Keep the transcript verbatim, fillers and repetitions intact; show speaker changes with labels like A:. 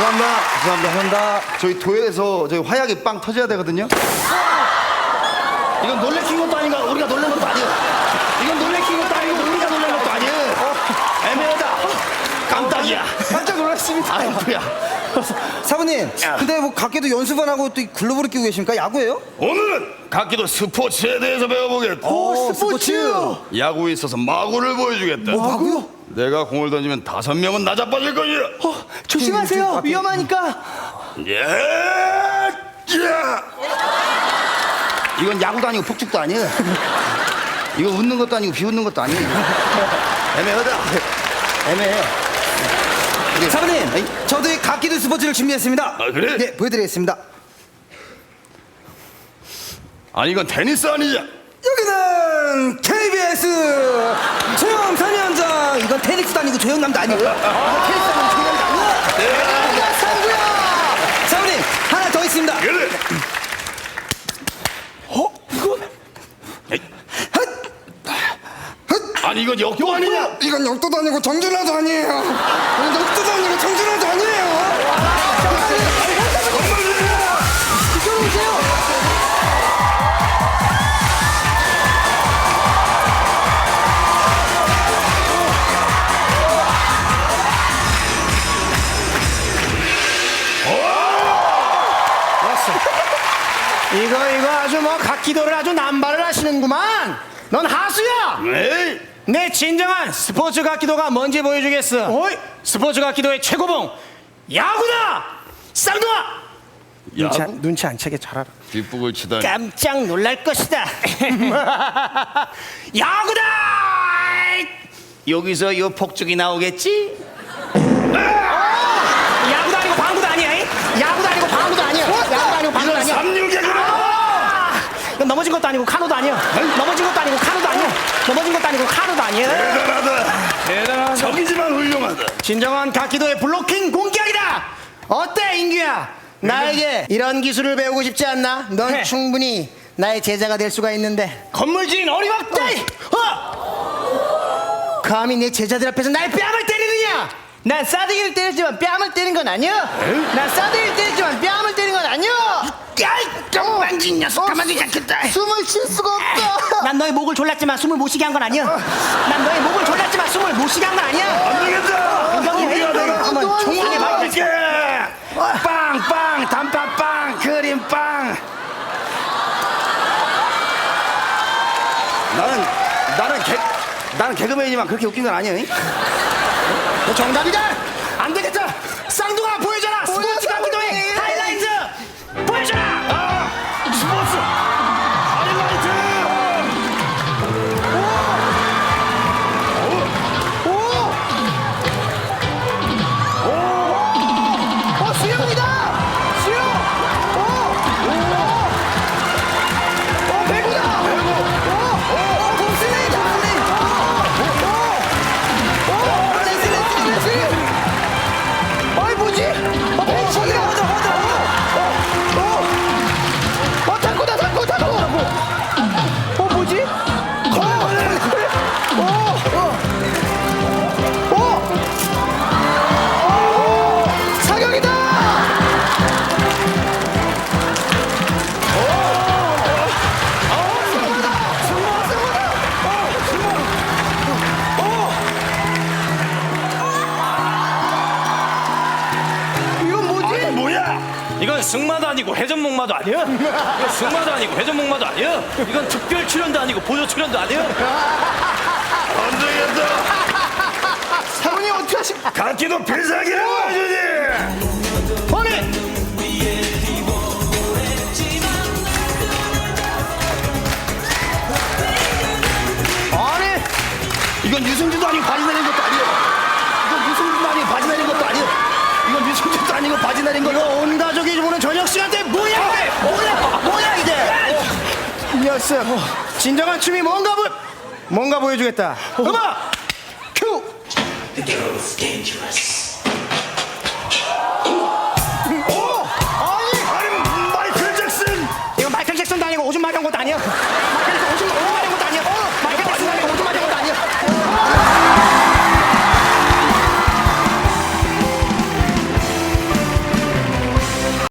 A: 죄송합니다. 죄송합니다.
B: 감사합니다.
A: 저희 도에서 저희 화약이 빵 터져야 되거든요.
B: 이건 놀래킨 것도 아닌가 우리가 놀란 것도 아니에요. 이건 놀래킨 것도 아니고 우리가 놀란 것도 아니에요. 애매하다. 깜짝이야.
C: 깜짝 놀랐습니다.
B: 아이고야.
C: 사부님,
B: 야.
C: 근데 뭐 각기도 연습 안 하고 또 이 글러브를 끼고 계십니까? 야구예요?
D: 오늘은 각기도 스포츠에 대해서 배워보겠다.
C: 오,
D: 야구에 있어서 마구를 보여주겠다.
C: 야구요?
D: 내가 공을 던지면 다섯 명은 나 자빠질 거야.
C: 어,
B: 조심하세요. 위험하니까.
D: 예, 야.
A: 이건 야구도 아니고 폭죽도 아니에요. 이거 웃는 것도 아니고 비웃는 것도 아니에요. 애매하다. 애매해.
C: 사부님, 저도 이 각기도 스포츠를 준비했습니다.
D: 아, 그래?
C: 네, 보여드리겠습니다.
D: 아니 이건 테니스 아니냐?
C: 여기는 케이비에스 조영 선현장. 이건 테니스도 아니고 조영남도 아니고요. 이건 테니스 아니고 조영남도 아니고. 야, 상구야. 사부님, 하나 더 있습니다.
D: 그래. 아니 이건 역도 아니냐?
C: 이건 역도도 아니고 정준하도 아니에요. 이건 역도도 아니고 정준하도 아니에요. 이쪽으로 오세요.
B: 이거 이거 아주 뭐 각기도를 아주 남발을 하시는구만. 넌 하수야.
D: 에이,
B: 내 진정한 스포츠 각기도가 뭔지 보여주겠어. 어이? 스포츠 각기도의 최고봉 야구다. 쌍둥아. 눈치 안, 눈치 안 채게 잘 알아.
D: 뒷북을 치다니.
B: 깜짝 놀랄 것이다. 야구다. 여기서 이 폭죽이 나오겠지? 어! 야구도 아니고 방구도 아니야. 이? 야구도 아니고 방구도 아니야. 야구도 아니고 방구도 아니야.
D: 삼육이구나.
B: 이건 넘어진 것도 아니고 카누도 아니야. 넘어진 것도 아니고 카누도 아니야. 넘어진 것도 아니고 카누도 아니야.
D: 대단하다.
B: 대단하다.
D: 적이지만 훌륭하다.
B: 진정한 각기도의 블로킹 공격이다. 어때 인규야? 나에게 이런 기술을 배우고 싶지 않나? 넌
E: 네.
B: 충분히 나의 제자가 될 수가 있는데.
E: 건물주인 어림없다.
B: 어! 감히 내 제자들 앞에서 날 뺨을 때리느냐?
E: 난 싸대기를 때렸지만 뺨을 때린 건 아니야. 난 싸대기를 때렸지만 뺨을 때린 건 아니야.
B: 야이 깜만진 녀석 가만두지 않겠다.
E: 숨을 쉴 수가 없다.
B: 난 너의 목을 졸랐지만 숨을 못 쉬게 한 건 아니야. 난 너의 목을 졸랐지만 숨을 못 쉬게 한 건 아니야.
D: 안 되겠다.
B: 우리가 내가 한번 총알에 맞게.
D: 이게 빵빵 단팥빵 크림빵.
A: 나는 나는 개 나는 개그맨이지만 그렇게 웃긴 건 아니에요.
B: 너 정답이다. 안 되겠다. 쌍둥아 보여줘라. 스포츠 각기도의 하이라이트 보여줘라.
D: 아, 스포츠 하이라이트.
E: 어, 수영이다. 수영. 오. 오. 어, 배구다. 배구. 오. 오. 복싱이다. 복싱. 오. 오. 오. 레슬링. 레슬링. 어이 뭐지? 어, 복싱이다. 맞아, 맞아. 어. 어. 어, 탁구다, 탁구, 탁구. 어, 뭐지? 어. 어. 어. 어. 사격이다! 이건 뭐지?
D: 뭐야?
E: 이건 승마도 아니고 회전목마도 아니야. 이건 승마도 아니고 회전목마도 아니야. 이건 특별 출연도 아니고 보조 출연도 아니야.
D: 안 되겠다.
B: 사모님 어떻게 하십?
D: 각기도 필살기라고 해주지.
B: 아니 아니
A: 이건 유승준도 아니고 바지 내린 것도 아니에요. 이건 유승준도 아니고 바지 내린 것도 아니에요. 이건 유승준도 아니고 바지 내린
B: 이거
A: 것도.
B: 온 가족이 보는 저녁 시간대 뭐야 이게? 뭐야 뭐야 이게? 이 녀석 진정한 춤이 뭔가 보 뭔가 보여주겠다. 음악 큐.
D: 아니 마이클 잭슨.
B: 이건 마이클 잭슨도 아니고 오줌 마려운 것도 아니야.